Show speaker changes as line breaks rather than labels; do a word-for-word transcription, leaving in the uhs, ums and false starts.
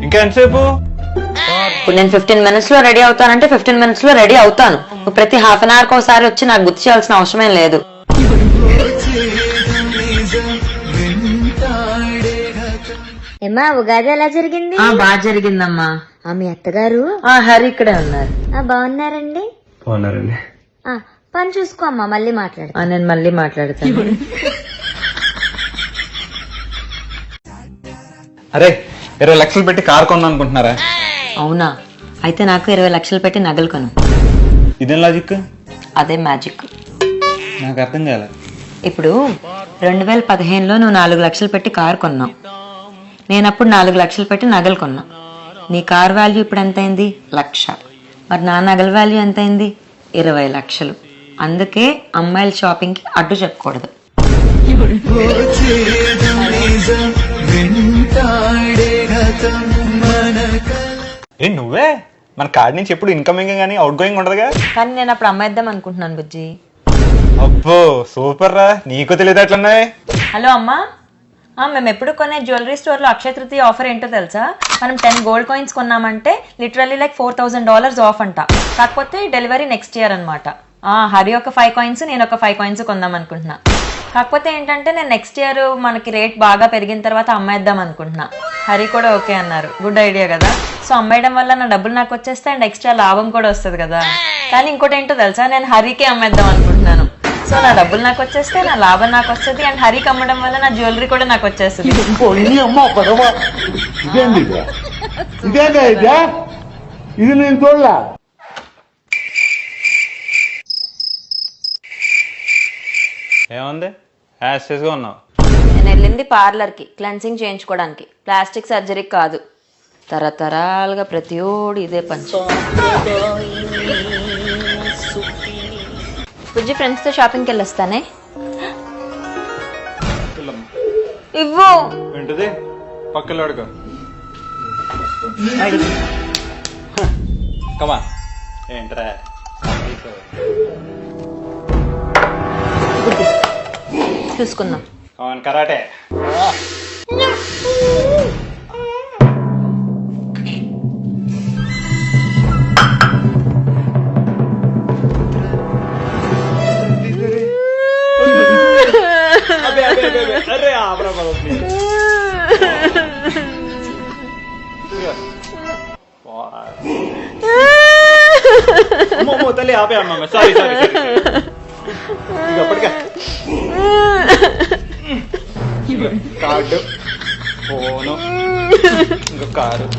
ఇంకా ఎంతసేపు?
ఇప్పుడు నేను ఫిఫ్టీన్ మినిట్స్ లో రెడీ అవుతానంటే ఫిఫ్టీన్ మినిట్స్ లో రెడీ అవుతాను. నువ్వు ప్రతి హాఫ్ అన్ అవర్ ఒకసారి వచ్చి నాకు గుర్తు చేయాల్సిన అవసరమేం లేదు.
ఏమ్మా ఉగాది ఎలా జరిగింది?
బాగా జరిగిందమ్మా.
మీ అత్తగారు
హరి ఇక్కడే ఉన్నారు.
బాగున్నారండి?
బాగున్నారండి.
పని చూసుకో అమ్మా, మళ్ళీ మాట్లాడతా.
నేను మళ్ళీ మాట్లాడతాను.
అరే ఇరవై లక్షలు పెట్టి కార్ కొందాం అనుకుంటున్నారా?
అవునా? అయితే నాకు ఇరవై లక్షలు పెట్టి నగలు కొను.
ఇదేం లాజిక్?
అదే మ్యాజిక్.
నాకు అర్థం కాలే.
ఇప్పుడు రెండు వేల పదిహేనులో నువ్వు నాలుగు లక్షలు పెట్టి కారు కొన్నావు, నేనప్పుడు నాలుగు లక్షలు పెట్టి నగలు కొన్నా. నీ కార్ వాల్యూ ఇప్పుడు ఎంత అయింది? లక్ష. మరి నా నగల వాల్యూ ఎంత అయింది? ఇరవై లక్షలు. అందుకే అమ్మాయిల షాపింగ్ కి అడ్డు చెప్పకూడదు.
ఏ నువ్వే మన కార్డ్ నుంచి ఎప్పుడు ఇన్కమింగ్ గానీ అవుట్ గోయింగ్ ఉండదుగా?
కానీ నేను అప్పుడు అమ్మాయిద్దాం అనుకుంటున్నాను బుజ్జి.
అబ్బో సూపర్ రా, నీకు తెలియదు అట్లున్నాయి.
హలో అమ్మా, మేము ఎప్పుడు కొనే జ్యువెలరీ స్టోర్ లో అక్షయ తృతీయ ఆఫర్ ఏంటో తెలుసా? మనం టెన్ గోల్డ్ కాయిన్స్ కొన్నామంటే literally like four thousand dollars off అంట. కాకపోతే డెలివరీ నెక్స్ట్ ఇయర్ అనమాట. హరి ఒక ఫైవ్ కాయిన్స్, నేను ఒక ఫైవ్ కాయిన్స్ కొందాం అనుకుంటున్నా. కాకపోతే ఏంటంటే నేను నెక్స్ట్ ఇయర్ మనకి రేట్ బాగా పెరిగిన తర్వాత అమ్మేద్దాం అనుకుంటున్నా. హరి కూడా ఓకే అన్నారు. గుడ్ ఐడియా కదా. సో అమ్మేయడం వల్ల నా డబ్బులు నాకు వచ్చేస్తే అండ్ ఎక్స్ట్రా లాభం కూడా వస్తుంది కదా. కానీ ఇంకోటి ఏంటో తెలుసా, నేను హరికి అమ్మేద్దాం అనుకుంటున్నాను. సో నా డబ్బులు నాకు వచ్చేస్తే నా లాభం నాకు వస్తుంది అండ్ హరికి అమ్మడం వల్ల నా జ్యువెలరీ కూడా నాకు వచ్చేస్తుంది.
ఇది నేను చూడలా.
ఏముంది యాస్టేజ్గా ఉన్నావు?
నేను వెళ్ళింది పార్లర్ కి క్లెన్సింగ్ చేయించుకోవడానికి, ప్లాస్టిక్ సర్జరీ కాదు. తరతరాలుగా ప్రతి ఓడి ఇదే పంచ. బుజ్జి ఫ్రెండ్స్ తో షాపింగ్కి వెళ్ళొస్తానే. ఇవ్వు.
ఏంటిది? పక్కన అడుగు. కమా ఏంట్రా
చూసుకుందాం.
Come on karate. अरे आपरा मोमो तले आप अम्मा सॉरी सॉरी ఇక పడక కార్డు ఫోను ఇంకా కారు.